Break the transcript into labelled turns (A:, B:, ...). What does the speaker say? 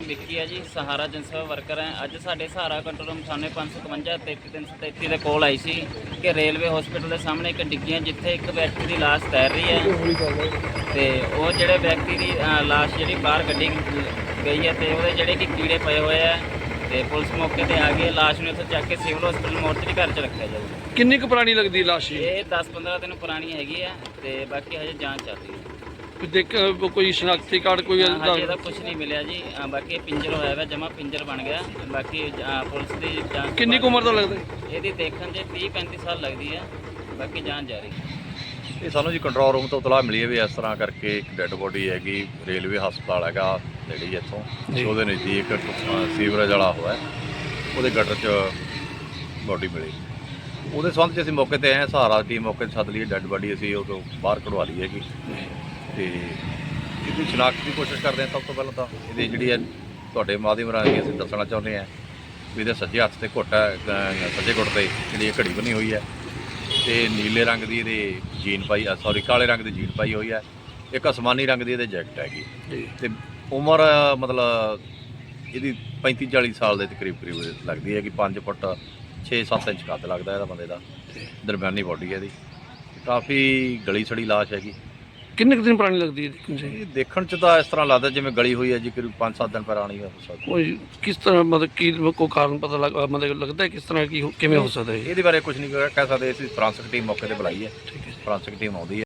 A: ਵਿੱਕੀ ਹੈ ਜੀ, ਸਹਾਰਾ ਜਨਸੇਵਾ ਵਰਕਰ ਹੈ। ਅੱਜ ਸਾਡੇ ਸਹਾਰਾ ਕੰਟਰੋਲ ਰੂਮ ਥਾਣੇ 555 33333 ਦੇ ਕੋਲ ਆਈ ਸੀ ਕਿ ਰੇਲਵੇ ਹਸਪੀਟਲ ਦੇ ਸਾਹਮਣੇ ਇੱਕ ਡਿੱਗੀ ਹੈ ਜਿੱਥੇ ਇੱਕ ਵਿਅਕਤੀ ਦੀ ਲਾਸ਼ ਤੈਰ ਰਹੀ ਹੈ ਤੇ ਉਹ ਜਿਹੜੇ ਵਿਅਕਤੀ ਦੀ ਲਾਸ਼ ਜਿਹੜੀ ਬਾਹਰ ਕੱਢੀ ਗਈ ਹੈ ਤੇ ਉਹਦੇ ਜਿਹੜੇ ਕਿ ਕੀੜੇ ਪਏ ਹੋਏ ਆ ਤੇ ਪੁਲਿਸ ਮੌਕੇ ਤੇ ਆ ਗਈ। ਲਾਸ਼ ਨੂੰ ਇੱਥੋਂ ਚੱਕ ਕੇ ਸਿਵਲ ਹਸਪੀਟਲ ਮੋਰਚਰੀ ਘਰ 'ਚ ਰੱਖਿਆ ਜਾਊਗਾ।
B: ਕਿੰਨੀ ਕੁ ਪੁਰਾਣੀ ਲੱਗਦੀ ਲਾਸ਼?
A: ਇਹ 10-15 ਦਿਨ ਪੁਰਾਣੀ ਹੈਗੀ ਆ ਤੇ ਬਾਕੀ ਹਜੇ ਜਾਂਚ ਚੱਲ ਰਹੀ ਹੈ।
B: ਦੇਖ ਕੋਈ ਸ਼ਨਾਖਤੀ ਕਾਰਡ ਕੋਈ
A: ਹਜੇ ਇਹਦਾ ਕੁਝ ਨਹੀਂ ਮਿਲਿਆ ਜੀ। ਬਾਕੀ ਇਹ ਪਿੰਜਰ ਹੋਇਆ ਵਾ, ਜਮਾ ਪਿੰਜਰ ਬਣ ਗਿਆ। ਬਾਕੀ ਪੁਲਿਸ ਦੀ ਜਾਂਚ।
B: ਕਿੰਨੀ ਕੁ ਉਮਰ ਦਾ ਲੱਗਦਾ?
A: ਇਹਦੀ ਦੇਖਣ 'ਚ 30-35 ਸਾਲ ਲੱਗਦੀ ਹੈ। ਬਾਕੀ ਜਾਂਚ ਜਾਰੀ।
C: ਇਹ ਸਾਨੂੰ ਜੀ ਕੰਟਰੋਲ ਰੂਮ ਤੋਂ ਇਤਲਾਹ ਮਿਲੀ ਹੈ ਵੀ ਇਸ ਤਰ੍ਹਾਂ ਕਰਕੇ ਇੱਕ ਡੈੱਡ ਬੋਡੀ ਹੈਗੀ ਰੇਲਵੇ ਹਸਪਤਾਲ ਹੈਗਾ ਜਿਹੜੀ ਇੱਥੋਂ ਉਹਦੇ ਨਜ਼ਦੀਕ ਸੀਵਰੇਜ ਵਾਲਾ ਹੋਇਆ, ਉਹਦੇ ਗਟਰ 'ਚ ਬੋਡੀ ਮਿਲੀ। ਉਹਦੇ ਸੰਬੰਧ 'ਚ ਅਸੀਂ ਮੌਕੇ 'ਤੇ ਆਏ ਹਾਂ। ਸਹਾਰਾ ਟੀਮ ਮੌਕੇ 'ਤੇ ਸੱਦ ਲਈ, ਡੈੱਡ ਬੋਡੀ ਅਸੀਂ ਉਹ ਤੋਂ ਬਾਹਰ ਕਢਵਾ ਲਈ ਹੈਗੀ ਤੇ ਇਹਦੀ ਸ਼ਨਾਖਤ ਦੀ ਕੋਸ਼ਿਸ਼ ਕਰਦੇ ਹਾਂ। ਸਭ ਤੋਂ ਪਹਿਲਾਂ ਤਾਂ ਇਹਦੀ ਜਿਹੜੀ ਹੈ ਤੁਹਾਡੇ ਮਾਧਿਅਮ ਰਾਹੀਂ ਅਸੀਂ ਦੱਸਣਾ ਚਾਹੁੰਦੇ ਹਾਂ ਵੀ ਇਹਦੇ ਸੱਜੇ ਹੱਥ 'ਤੇ ਘੁੱਟ ਹੈ, ਸੱਜੇ ਗੁੱਟ 'ਤੇ ਜਿਹੜੀ ਇਹ ਘੜੀ ਬਣੀ ਹੋਈ ਹੈ ਤੇ ਨੀਲੇ ਰੰਗ ਦੀ ਇਹਦੇ ਜੀਨ ਪਾਈ, ਕਾਲੇ ਰੰਗ ਦੀ ਜੀਨ ਪਾਈ ਹੋਈ ਹੈ। ਇੱਕ ਅਸਮਾਨੀ ਰੰਗ ਦੀ ਇਹਦੇ ਜੈਕਟ ਹੈਗੀ ਤੇ ਉਮਰ ਮਤਲਬ ਇਹਦੀ 35-40 ਸਾਲ ਦੇ ਕਰੀਬ ਲੱਗਦੀ ਹੈ ਕਿ 5 ਫੁੱਟ 6-7 ਇੰਚ ਕੱਦ ਲੱਗਦਾ ਇਹਦਾ ਬੰਦੇ ਦਾ। ਦਰਮਿਆਨੀ ਬੋਡੀ ਹੈ ਇਹਦੀ, ਕਾਫੀ ਗਲੀ ਸੜੀ ਲਾਸ਼ ਹੈਗੀ।
B: ਕਿੰਨੇ ਕੁ ਦਿਨ ਪੁਰਾਣੀ ਲੱਗਦੀ ਹੈ?
C: ਇਹ ਦੇਖਣ 'ਚ ਤਾਂ ਇਸ ਤਰ੍ਹਾਂ ਲੱਗਦਾ ਜਿਵੇਂ ਗਲੀ ਹੋਈ ਹੈ ਜੀ, ਕਰੀਬ 5-7 ਦਿਨ ਪੁਰਾਣੀ ਹੋ ਸਕਦੀ।
B: ਕੋਈ ਕਿਸ ਤਰ੍ਹਾਂ ਮਤਲਬ ਕੀ ਕੋਈ ਕਾਰਨ ਪਤਾ ਮਤਲਬ ਲੱਗਦਾ ਕਿਸ ਤਰ੍ਹਾਂ ਕੀ ਕਿਵੇਂ ਹੋ ਸਕਦਾ ਹੈ?
C: ਇਹਦੇ ਬਾਰੇ ਕੁਝ ਨਹੀਂ ਕਹਿ ਸਕਦੇ। ਅਸੀਂ ਫੋਰੈਂਸਿਕ ਟੀਮ ਮੌਕੇ ਤੇ ਬੁਲਾਈ ਹੈ, ਫੋਰੈਂਸਿਕ ਟੀਮ ਆਉਂਦੀ ਹੈ।